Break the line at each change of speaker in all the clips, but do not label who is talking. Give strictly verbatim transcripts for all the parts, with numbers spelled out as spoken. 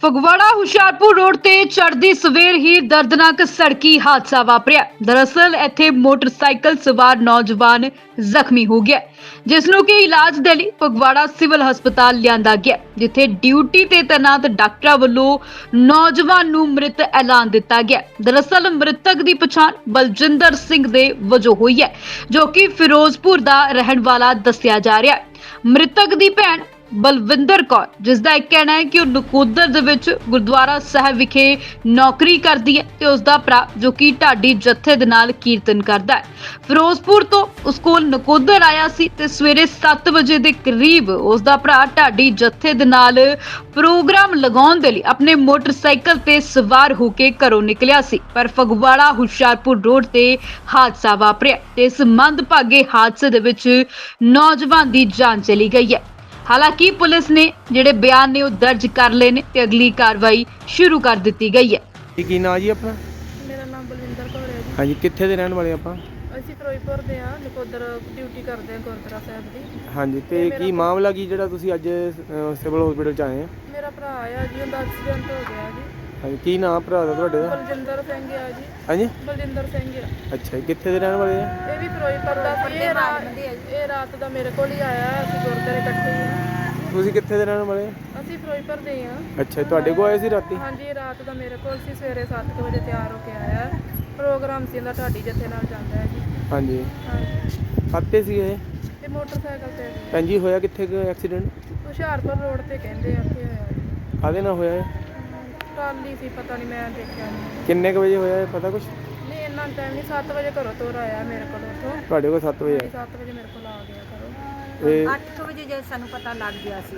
Phagwara Hoshiarpur road ਤੇ ਚੜ੍ਹਦੀ ਸਵੇਰ ਹੀ ਦਰਦਨਾਕ ਸੜਕੀ ਹਾਦਸਾ ਵਾਪਰਿਆ। ਦਰਅਸਲ ਇੱਥੇ ਮੋਟਰਸਾਈਕਲ ਸਵਾਰ ਨੌਜਵਾਨ ਜ਼ਖਮੀ ਹੋ ਗਿਆ, ਜਿਸ ਨੂੰ ਕਿ ਇਲਾਜ ਦੇ ਲਈ ਫਗਵਾੜਾ ਸਿਵਲ ਹਸਪਤਾਲ ਲਿਆਂਦਾ ਗਿਆ, ਜਿੱਥੇ ਡਿਊਟੀ ਤੇ ਤੈਨਾਤ ਡਾਕਟਰਾਂ ਵੱਲੋਂ ਨੌਜਵਾਨ ਨੂੰ ਮ੍ਰਿਤ ਐਲਾਨ ਦਿੱਤਾ ਗਿਆ। ਦਰਅਸਲ ਮ੍ਰਿਤਕ ਦੀ ਪਛਾਣ ਬਲਜਿੰਦਰ ਸਿੰਘ ਦੇ ਵਜੋਂ ਹੋਈ ਹੈ, ਜੋ ਕਿ ਫਿਰੋਜ਼ਪੁਰ ਦਾ ਰਹਿਣ ਵਾਲਾ ਦੱਸਿਆ ਜਾ ਰਿਹਾ ਹੈ। ਮ੍ਰਿਤਕ ਦੀ ਭੈਣ ਬਲਵਿੰਦਰ ਕੌਰ, ਜਿਸ ਦਾ ਇੱਕ ਕਹਿਣਾ ਹੈ ਕਿ ਉਹ ਨਕੋਦਰ ਦੇ ਵਿੱਚ ਗੁਰਦੁਆਰਾ ਸਾਹਿਬ ਵਿਖੇ ਨੌਕਰੀ ਕਰਦੀ ਹੈ, ਤੇ ਉਸ ਦਾ ਭਰਾ ਜੋ ਕਿ ਢਾਡੀ ਜੱਥੇ ਦੇ ਨਾਲ ਕੀਰਤਨ ਕਰਦਾ ਹੈ, ਫਿਰੋਜ਼ਪੁਰ ਤੋਂ ਉਸ ਕੋਲ ਨਕੋਦਰ ਆਇਆ ਸੀ ਤੇ ਸਵੇਰੇ ਸੱਤ ਵਜੇ ਦੇ ਕਰੀਬ ਉਸ ਦਾ ਭਰਾ ਢਾਡੀ ਜੱਥੇ ਦੇ ਨਾਲ ਪ੍ਰੋਗਰਾਮ ਲਗਾਉਣ ਦੇ ਲਈ ਆਪਣੇ ਮੋਟਰਸਾਈਕਲ ਤੇ ਸਵਾਰ ਹੋ ਕੇ ਘਰੋਂ ਨਿਕਲਿਆ ਸੀ। ਪਰ ਫਗਵਾੜਾ ਹੁਸ਼ਿਆਰਪੁਰ ਰੋਡ ਤੇ ਹਾਦਸਾ ਵਾਪਰਿਆ ਤੇ ਇਸ ਮੰਦਭਾਗੇ ਹਾਦਸੇ ਦੇ ਵਿੱਚ ਨੌਜਵਾਨ ਦੀ ਜਾਨ ਚਲੀ ਗਈ ਹੈ। ਹਾਲਾਂਕਿ ਪੁਲਿਸ ਨੇ ਜਿਹੜੇ ਬਿਆਨ ਨੇ ਉਹ ਦਰਜ ਕਰ ਲਏ ਨੇ ਤੇ ਅਗਲੀ ਕਾਰਵਾਈ ਸ਼ੁਰੂ ਕਰ ਦਿੱਤੀ ਗਈ ਹੈ।
ਕੀ ਨਾਂ ਜੀ ਆਪਣਾ?
ਮੇਰਾ ਨਾਮ ਬਲਵਿੰਦਰ ਕੌਰ ਹੈ ਜੀ।
ਹਾਂਜੀ, ਕਿੱਥੇ ਦੇ ਰਹਿਣ ਵਾਲੇ ਆਪਾਂ?
ਅਸੀਂ ਫਿਰੋਜ਼ਪੁਰ ਦੇ ਆ, ਨਕੋਦਰ ਡਿਊਟੀ ਕਰਦੇ ਹਾਂ ਗੁਰਦੁਆਰਾ ਸਾਹਿਬ ਦੀ।
ਹਾਂਜੀ, ਤੇ ਕੀ ਮਾਮਲਾ ਕੀ ਜਿਹੜਾ ਤੁਸੀਂ ਅੱਜ ਸਿਵਲ ਹਸਪੀਟਲ ਚ ਆਏ ਆ?
ਮੇਰਾ ਭਰਾ ਆ ਜੀ, ਉਹਦਾ ਐਕਸੀਡੈਂਟ ਹੋ ਗਿਆ ਜੀ।
ਹਾਂਜੀ, ਕੀ ਨਾਮ ਭਰਾ ਦਾ ਤੁਹਾਡੇ ਦਾ?
ਬਲਜਿੰਦਰ ਸਿੰਘ ਆ ਜੀ।
ਹਾਂਜੀ,
ਬਲਜਿੰਦਰ ਸਿੰਘ ਆ।
ਅੱਛਾ ਜੀ, ਕਿੱਥੇ ਦੇ ਰਹਿਣ ਵਾਲੇ ਆ?
ਇਹ ਵੀ ਫਿਰੋਜ਼ਪੁਰ ਦਾ ਸੀ। ਇਹ ਰਾਤ ਇਹ ਰਾਤ ਦਾ ਮੇਰੇ ਕੋਲ ਹੀ ਆਇਆ। ਅਸੀਂ ਗੁਰਦੁਆਰੇ ਇਕੱਠੇ ਹੀ ਆ।
ਤੁਸੀਂ ਕਿੱਥੇ ਦੇ ਰਹਿਣ ਵਾਲੇ ਆ?
ਅਸੀਂ ਫਿਰੋਜ਼ਪੁਰ ਦੇ ਆ।
ਅੱਛਾ ਜੀ, ਤੁਹਾਡੇ ਕੋਲ ਆਏ ਸੀ ਰਾਤੀ?
ਹਾਂਜੀ, ਇਹ ਰਾਤ ਦਾ ਮੇਰੇ ਕੋਲ ਸੀ। ਸਵੇਰੇ ਸੱਤ ਵਜੇ ਤਿਆਰ ਹੋ ਕੇ ਆਇਆ। ਪ੍ਰੋਗਰਾਮ ਸੀ ਇਹਦਾ, ਢਾਡੀ ਜੱਥੇ ਨਾਲ ਜਾਂਦਾ ਹੈ ਜੀ।
ਹਾਂਜੀ,
ਹਾਂਜੀ,
ਖਾਤੇ ਸੀ ਇਹ?
ਤੇ ਮੋਟਰਸਾਈਕਲ ਤੇ ਜੀ।
ਭੈਣ ਜੀ, ਹੋਇਆ ਕਿੱਥੇ ਕੁ ਐਕਸੀਡੈਂਟ?
ਹੁਸ਼ਿਆਰਪੁਰ ਰੋਡ ਤੇ ਕਹਿੰਦੇ ਆ ਉੱਥੇ ਹੋਇਆ ਜੀ।
ਕਾਹਦੇ ਨਾਲ ਹੋਇਆ ਇਹ?
ਟਰਾਲੀ ਸੀ, ਪਤਾ ਨਹੀਂ, ਮੈਂ ਦੇਖਿਆ ਨਹੀਂ।
ਕਿੰਨੇ ਕੁ ਵਜੇ ਹੋਇਆ ਇਹ, ਪਤਾ ਕੁਛ?
ਨਹੀਂ, ਇੰਨਾ ਟਾਈਮ ਨਹੀਂ। ਸੱਤ ਵਜੇ ਘਰੋਂ ਤੋਰ ਆਇਆ ਮੇਰੇ ਕੋਲ ਉੱਥੋਂ।
ਤੁਹਾਡੇ ਕੋਲ ਸੱਤ ਵਜੇ ਆਇਆ?
ਸੱਤ ਵਜੇ ਮੇਰੇ ਕੋਲ ਆ ਗਿਆ ਘਰੋਂ।
ਤੇ
ਅੱਠ ਵਜੇ ਜੇ ਸਾਨੂੰ ਪਤਾ ਲੱਗ ਗਿਆ ਸੀ।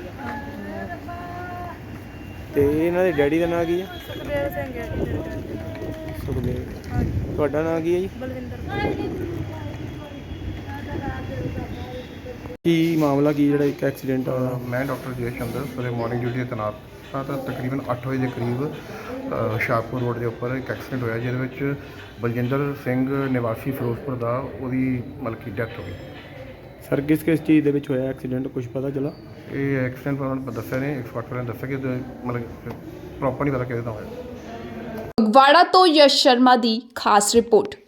ਤੇ ਇਹਨਾਂ ਦੇ ਡੈਡੀ ਦਾ ਨਾਂ ਕੀ ਹੈ?
ਸੁਖਦੇਵ ਸਿੰਘ ਹੈ ਜੀ ਮੇਰੇ ਡੈਡੀ।
ਸੁਖਦੇਵ।
ਹਾਂਜੀ,
ਤੁਹਾਡਾ ਨਾਂ ਕੀ ਹੈ ਜੀ?
ਬਲਵਿੰਦਰ।
ਕੀ ਮਾਮਲਾ ਕੀ ਜਿਹੜਾ ਇੱਕ ਐਕਸੀਡੈਂਟ ਹੋਇਆ?
ਮੈਂ ਡਾਕਟਰ ਜੈ ਚੰਦਰ ਸਵੇਰੇ ਮਾਰਨਿੰਗ ਡਿਊਟੀ 'ਤੇ ਤੈਨਾਤ ਹਾਂ, ਤਾਂ ਤਕਰੀਬਨ ਅੱਠ ਵਜੇ ਦੇ ਕਰੀਬ ਅ, ਹੁਸ਼ਿਆਰਪੁਰ ਰੋਡ ਦੇ ਉੱਪਰ ਇੱਕ ਐਕਸੀਡੈਂਟ ਹੋਇਆ, ਜਿਹਦੇ ਵਿੱਚ ਬਲਜਿੰਦਰ ਸਿੰਘ ਨਿਵਾਸੀ ਫਿਰੋਜ਼ਪੁਰ ਦਾ, ਉਹਦੀ ਮਤਲਬ ਕਿ ਡੈਥ ਹੋ ਗਈ।
ਸਰ, ਕਿਸ ਕਿਸ ਚੀਜ਼ ਦੇ ਵਿੱਚ ਹੋਇਆ ਐਕਸੀਡੈਂਟ, ਕੁਝ ਪਤਾ ਚੱਲਾ?
ਇਹ ਐਕਸੀਡੈਂਟ ਉਹਨਾਂ ਨੇ ਦੱਸਿਆ ਨੇ, ਇੱਕ ਫਾਟਰ ਨੇ ਦੱਸਿਆ ਕਿ ਇਹਦੇ ਮਤਲਬ ਪ੍ਰੋਪਰ ਨਹੀਂ ਪਤਾ ਕਿਹਦੇ ਨਾਲ ਹੋਇਆ।
ਫਗਵਾੜਾ ਤੋਂ ਯਸ਼ ਸ਼ਰਮਾ ਦੀ ਖਾਸ ਰਿਪੋਰਟ।